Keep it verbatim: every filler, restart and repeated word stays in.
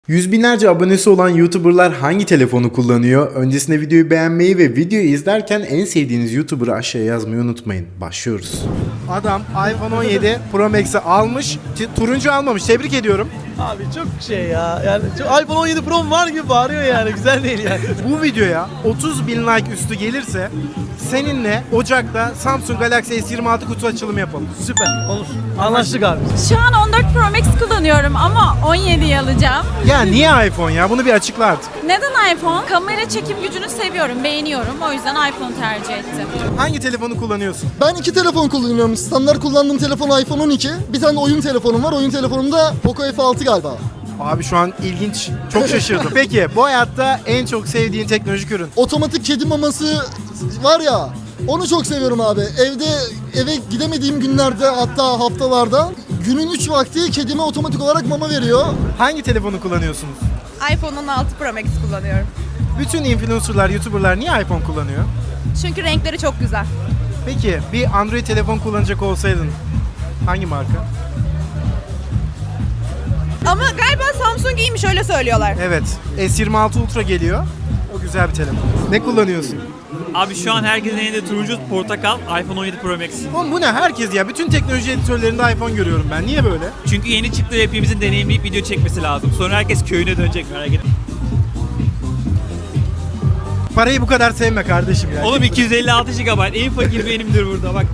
Yüz binlerce abonesi olan YouTuber'lar hangi telefonu kullanıyor? Öncesinde videoyu beğenmeyi ve videoyu izlerken en sevdiğiniz YouTuber'ı aşağıya yazmayı unutmayın. Başlıyoruz. Adam iPhone on yedi Pro Max'i almış, turuncu almamış. Tebrik ediyorum. Abi çok şey ya. Yani çok, iPhone on yedi Pro var gibi bağırıyor yani. Güzel değil yani. Bu videoya otuz bin like üstü gelirse seninle Ocak'ta Samsung Galaxy S yirmi altı kutu açılımı yapalım. Süper. Olur. Anlaştık abi. Şu an on dört Pro Max kullanıyorum ama on yediyi alacağım. Ya niye iPhone ya? Bunu bir açıkla artık. Neden iPhone? Kamera çekim gücünü seviyorum, beğeniyorum. O yüzden iPhone tercih ettim. Hangi telefonu kullanıyorsun? Ben iki telefon kullanıyorum. Standart kullandığım telefon iPhone on iki. Bir tane de oyun telefonum var. Oyun telefonumda Poco F altı galiba. Abi şu an ilginç. Çok şaşırdım. Peki bu hayatta en çok sevdiğin teknolojik ürün? Otomatik kedi maması var ya. Onu çok seviyorum abi. Evde eve gidemediğim günlerde, hatta haftalarda günün üç vakti kedime otomatik olarak mama veriyor. Hangi telefonu kullanıyorsunuz? iPhone on altı Pro Max kullanıyorum. Bütün influencerlar, YouTuber'lar niye iPhone kullanıyor? Çünkü renkleri çok güzel. Peki bir Android telefon kullanacak olsaydın hangi marka? Ama galiba Samsung iyiymiş, öyle söylüyorlar. Evet, S yirmi altı Ultra geliyor. O güzel bir telefon. Ne kullanıyorsun? Abi şu an herkesin elinde turuncu portakal iPhone on yedi Pro Max. Oğlum bu ne? Herkes ya. Bütün teknoloji editörlerinde iPhone görüyorum ben. Niye böyle? Çünkü yeni çıktı ve hepimizin deneyimleyip video çekmesi lazım. Sonra herkes köyüne dönecek, merak etme. Parayı bu kadar sevme kardeşim ya. Oğlum iki yüz elli altı gigabayt en fakir benimdir burada bak.